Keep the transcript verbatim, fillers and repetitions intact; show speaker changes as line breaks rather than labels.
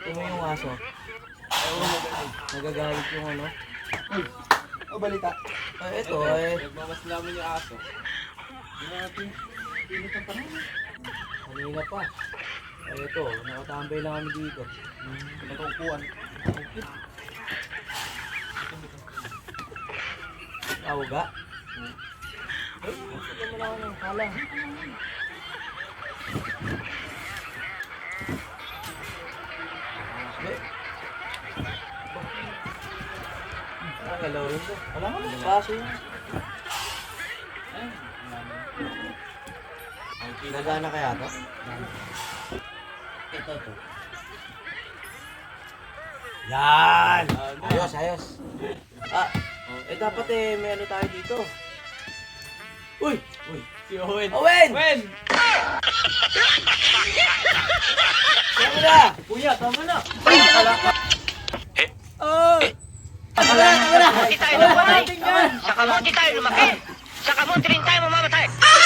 Ito mo yung aso. Nagagalit yung ano.
O balita.
Ay, ito ay.
Nagmamaslaman yung aso.
Grabe. Init ang panahon.
Kanina pa. Ay, ito. Nakatambay lang kami dito.
Nagkukuhan.
Awga. Ay, ito mo lang ako ng kalang. Nakagalaw rin to. Wala ka lang. Baso yun. Nagana kaya to?
Ito to.
Yan! Ayos, ayos. Ah, eh dapat eh may ano tayo dito. Uy!
Uy, si Owen.
Owen!
Owen!
Saan na?
Kuya, tama na.
Oh! Tama na, tama na!
Kamuti tayo lumaki. Sa kamuti tayo lumaki. Sa kamuti rin tayo mamamatay.